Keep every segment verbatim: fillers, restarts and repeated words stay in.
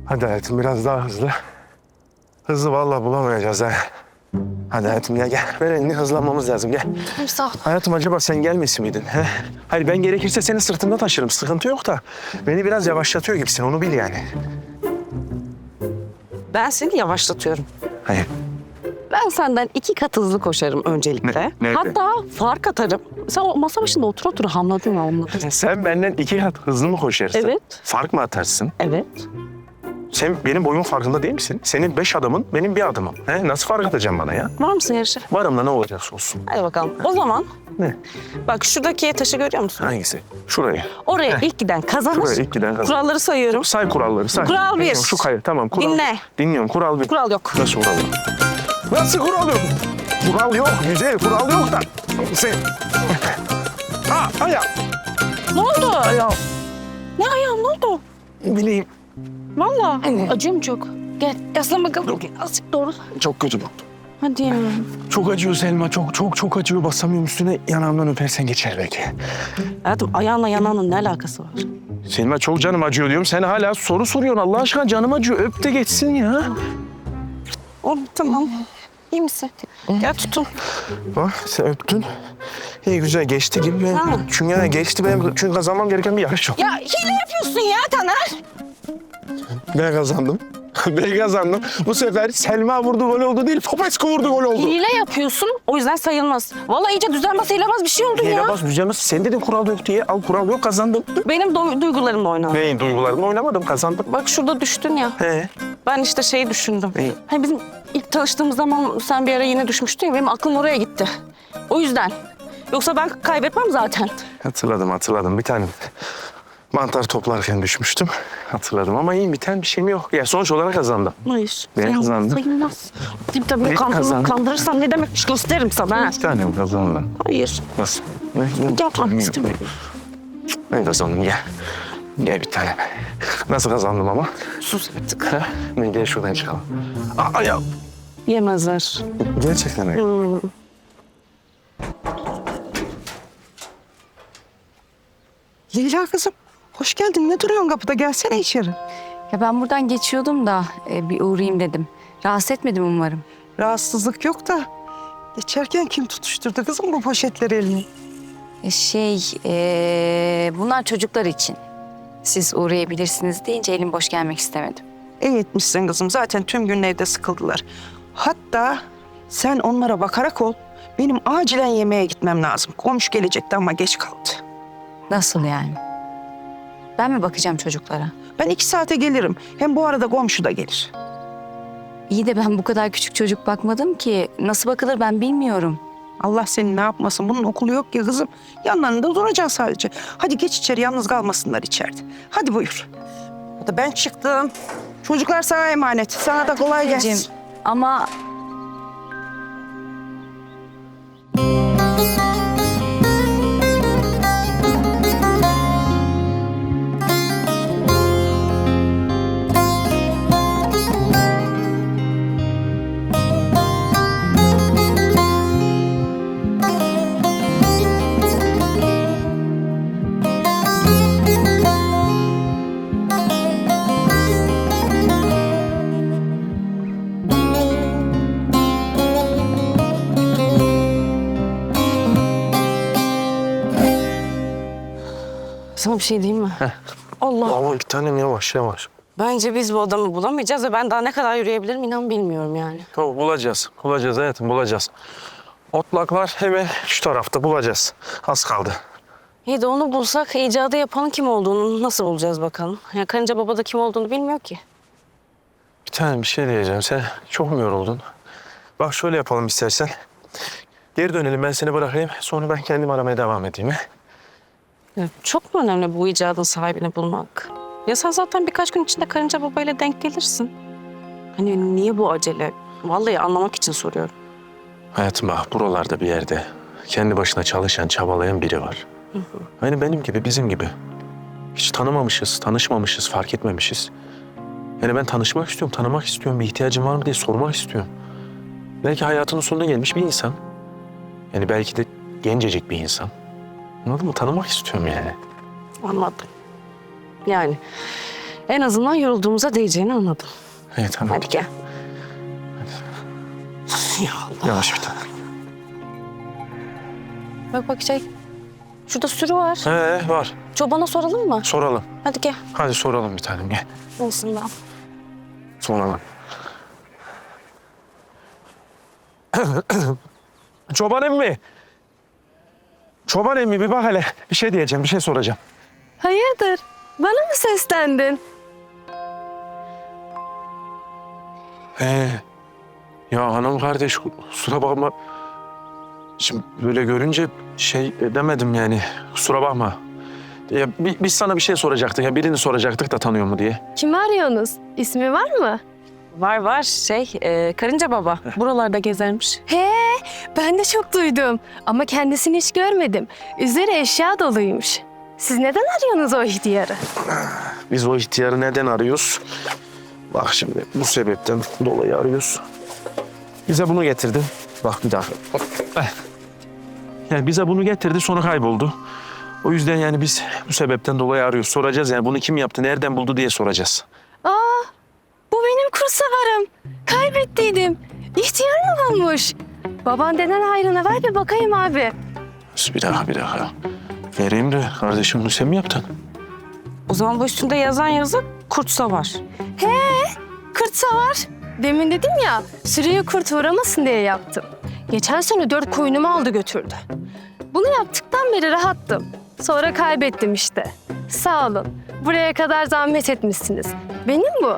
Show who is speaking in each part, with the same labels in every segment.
Speaker 1: Hadi hayatım biraz daha hızlı. Hızlı vallahi bulamayacağız ha. Hadi hayatım ya gel. Ver elini hızlanmamız lazım gel.
Speaker 2: Tamam sağ ol.
Speaker 1: Hayatım acaba sen gelmesin miydin? He? Hayır ben gerekirse seni sırtımda taşırım. Sıkıntı yok da beni biraz yavaşlatıyor gibisin onu bil yani.
Speaker 2: Ben seni yavaşlatıyorum.
Speaker 1: Hayır.
Speaker 2: Ben senden iki kat hızlı koşarım öncelikle.
Speaker 1: Ne- nerede?
Speaker 2: Hatta fark atarım. Sen o masa başında otur otur hamladın hamladın.
Speaker 1: Sen benden iki kat hızlı mı koşarsın?
Speaker 2: Evet.
Speaker 1: Fark mı atarsın?
Speaker 2: Evet.
Speaker 1: Sen benim boyumun farkında değil misin? Senin beş adımın, benim bir adımım. He? Nasıl fark atacaksın bana ya?
Speaker 2: Var mısın yarışa?
Speaker 1: Varım da ne olacaksa olsun.
Speaker 2: Hadi bakalım. O zaman
Speaker 1: Ne?
Speaker 2: bak şuradaki taşı görüyor musun?
Speaker 1: Hangisi? Şurayı.
Speaker 2: Oraya ilk giden kazanır.
Speaker 1: Şuraya ilk giden kazanır.
Speaker 2: Kuralları sayıyorum.
Speaker 1: Say kuralları say.
Speaker 2: Kural bir.
Speaker 1: Şu kayı tamam. Kural.
Speaker 2: Dinle.
Speaker 1: Dinliyorum kural bir.
Speaker 2: Kural yok.
Speaker 1: Nasıl kural yok? Nasıl kural yok? Kural yok güzel kural yok da. Sen... Ha ayağım.
Speaker 2: Ne oldu?
Speaker 1: Ayağım.
Speaker 2: Ne ayağım ne oldu?
Speaker 1: Bileyim.
Speaker 2: Vallahi. Acıyor mu çok? Gel yaslan bakalım. Azıcık doğru.
Speaker 1: Çok kötü bu.
Speaker 2: Hadi ya.
Speaker 1: Çok acıyor Selma. Çok çok çok acıyor. Basamıyorum üstüne. Yanağımdan öpersen geçer belki.
Speaker 2: Hayatım ayağınla yanağının ne alakası var?
Speaker 1: Selma çok canım acıyor diyorum. Sen hala soru soruyorsun. Allah aşkına canım acıyor. Öp de geçsin ya.
Speaker 2: Oğlum tamam. İyi misin? Gel tutun.
Speaker 1: Bak sen öptün. İyi güzel geçti gibi. Ben,
Speaker 2: Ha.
Speaker 1: çünkü yani geçti benim çünkü kazanmam gereken bir yarış yok.
Speaker 2: Ya hile yapıyorsun ya Taner.
Speaker 1: Ben kazandım. Ben kazandım. Bu sefer Selma vurdu gol oldu değil, Popescu vurdu gol oldu.
Speaker 2: Hile yapıyorsun o yüzden sayılmaz. Vallahi iyice düzenbaz sayılamaz bir şey oldu ya.
Speaker 1: Hile bas düzenmez. Sen dedin kural yok diye. Al kural yok kazandım.
Speaker 2: Benim du- duygularımla oynadın.
Speaker 1: Neyin duygularımla oynamadım kazandım.
Speaker 2: Bak şurada düştün ya.
Speaker 1: He.
Speaker 2: Ben işte şeyi düşündüm.
Speaker 1: Neyi?
Speaker 2: Hani bizim ilk tanıştığımız zaman sen bir ara yine düşmüştün ya benim aklım oraya gitti. O yüzden. Yoksa ben kaybetmem zaten.
Speaker 1: Hatırladım hatırladım. Bir tane mantar toplarken düşmüştüm. Hatırladım ama iyi biten bir şeyim yok. Ya sonuç olarak kazandım.
Speaker 2: Hayır.
Speaker 1: Ben
Speaker 2: sayılmaz,
Speaker 1: kazandım.
Speaker 2: Sayılmaz. Tabii tabii
Speaker 1: Ben
Speaker 2: kandırma,
Speaker 1: kazandım.
Speaker 2: kandırırsam ne demekmiş gösteririm sana. ha.
Speaker 1: Bir tane mi kazandım?
Speaker 2: Hayır.
Speaker 1: Nasıl? Ne?
Speaker 2: Yapmak istemiyorum.
Speaker 1: Ben kazandım gel. Gel bir tane. Nasıl kazandım ama?
Speaker 2: Sus artık.
Speaker 1: Ha? Ne gel şuradan çıkalım. Aa ya.
Speaker 2: Yemezler.
Speaker 1: Gerçekten öyle.
Speaker 2: Hmm.
Speaker 3: Leyla kızım, hoş geldin. Ne duruyorsun kapıda? Gelsene içeri.
Speaker 4: Ya ben buradan geçiyordum da e, bir uğrayayım dedim. Rahatsız etmedim umarım.
Speaker 3: Rahatsızlık yok da geçerken kim tutuşturdu kızım bu poşetleri eline?
Speaker 4: E, şey, e, bunlar çocuklar için. Siz uğrayabilirsiniz deyince elim boş gelmek istemedim.
Speaker 3: İyi etmişsin kızım. Zaten tüm gün evde sıkıldılar. Hatta sen onlara bakarak ol. Benim acilen yemeğe gitmem lazım. Komşu gelecekti ama geç kaldı.
Speaker 4: Nasıl yani? Ben mi bakacağım çocuklara?
Speaker 3: Ben iki saate gelirim. Hem bu arada komşu da gelir.
Speaker 4: İyi de ben bu kadar küçük çocuk bakmadım ki. Nasıl bakılır ben bilmiyorum.
Speaker 3: Allah seni ne yapmasın. Bunun okulu yok ya kızım. Yanlarında duracaksın sadece. Hadi geç içeri, yalnız kalmasınlar içeride. Hadi buyur. Hadi ben çıktım. Çocuklar sana emanet. Sana da kolay gelsin.
Speaker 4: Anneciğim, ama
Speaker 2: Sana bir şey diyeyim mi? Allah.
Speaker 1: Ama iki tanem yavaş yavaş.
Speaker 2: Bence biz bu adamı bulamayacağız ve ben daha ne kadar yürüyebilirim inan bilmiyorum yani.
Speaker 1: Tamam bulacağız. Bulacağız hayatım bulacağız. Otlaklar hemen şu tarafta bulacağız. Az kaldı.
Speaker 2: İyi de onu bulsak icadı yapanın kim olduğunu nasıl bulacağız bakalım. Ya karınca baba da kim olduğunu bilmiyor ki.
Speaker 1: Bir tane bir şey diyeceğim. Sen çok mu yoruldun? Bak şöyle yapalım istersen. Geri dönelim ben seni bırakayım. Sonra ben kendim aramaya devam edeyim. He?
Speaker 2: Ya çok mu önemli bu icadın sahibini bulmak? Ya sen zaten birkaç gün içinde karınca babayla denk gelirsin. Hani niye bu acele? Vallahi anlamak için soruyorum.
Speaker 1: Hayatım bak buralarda bir yerde kendi başına çalışan, çabalayan biri var.
Speaker 2: Hı hı.
Speaker 1: Aynı benim gibi, bizim gibi. Hiç tanımamışız, tanışmamışız, fark etmemişiz. Yani ben tanışmak istiyorum, tanımak istiyorum. Bir ihtiyacım var mı diye sormak istiyorum. Belki hayatının sonuna gelmiş bir insan. Yani belki de gencecik bir insan. Anladın mı? Tanımak istiyorum yani.
Speaker 2: Anladım. Yani En azından yorulduğumuza değeceğini anladım.
Speaker 1: İyi tamam.
Speaker 2: Hadi gel. Ya Allah.
Speaker 1: Yavaş bir tane.
Speaker 2: Bak bak şey. Şurada sürü var.
Speaker 1: He var.
Speaker 2: Çobana soralım mı?
Speaker 1: Soralım.
Speaker 2: Hadi gel.
Speaker 1: Hadi soralım bir tanem gel.
Speaker 2: Olsun ben.
Speaker 1: Soralım. Çoban emmi. Çoban emmi bir bak hele. Bir şey diyeceğim, bir şey soracağım.
Speaker 5: Hayırdır? Bana mı seslendin?
Speaker 1: Ee, ya hanım kardeş kusura bakma. Şimdi böyle görünce şey demedim yani. Kusura bakma. Ya, bi- biz sana bir şey soracaktık. Ya birini soracaktık da tanıyor mu diye.
Speaker 5: Kimi arıyorsunuz? İsmi var mı?
Speaker 2: Var var şey e, karınca baba. Buralarda gezermiş.
Speaker 5: He, ben de çok duydum. Ama kendisini hiç görmedim. Üzeri eşya doluymuş. Siz neden arıyorsunuz o ihtiyarı?
Speaker 1: Biz o ihtiyarı neden arıyoruz? Bak şimdi bu sebepten dolayı arıyoruz. Bize bunu getirdi. Bak bir dakika. Eh. Yani bize bunu getirdi sonra kayboldu. O yüzden yani biz bu sebepten dolayı arıyoruz. Soracağız yani bunu kim yaptı, nereden buldu diye soracağız.
Speaker 5: Aa, bu benim kursavarım. Kaybettiydim. İhtiyar mı bulmuş? Baban denen hayrına ver bir bakayım abi.
Speaker 1: Bir dakika bir dakika. Vereyim de kardeşim bunu sen mi yaptın?
Speaker 2: O zaman bu üstünde yazan yazı kurtsa var.
Speaker 5: Kurt savar. Demin dedim ya, sürüyü kurt uğramasın diye yaptım. Geçen sene dört koyunumu aldı götürdü. Bunu yaptıktan beri rahattım. Sonra kaybettim işte. Sağ olun. Buraya kadar zahmet etmişsiniz. Benim bu.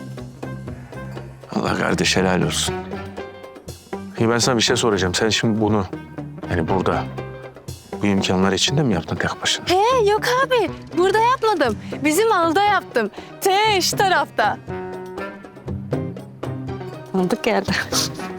Speaker 1: Allah kardeş helal olsun. İyi ben sana bir şey soracağım. Sen şimdi bunu yani burada bu imkanlar içinde mi yaptın tek başına?
Speaker 5: He yok abi. Burada yapmadım. Bizim alda yaptım. Te şu tarafta.
Speaker 2: Tanıdık geldi.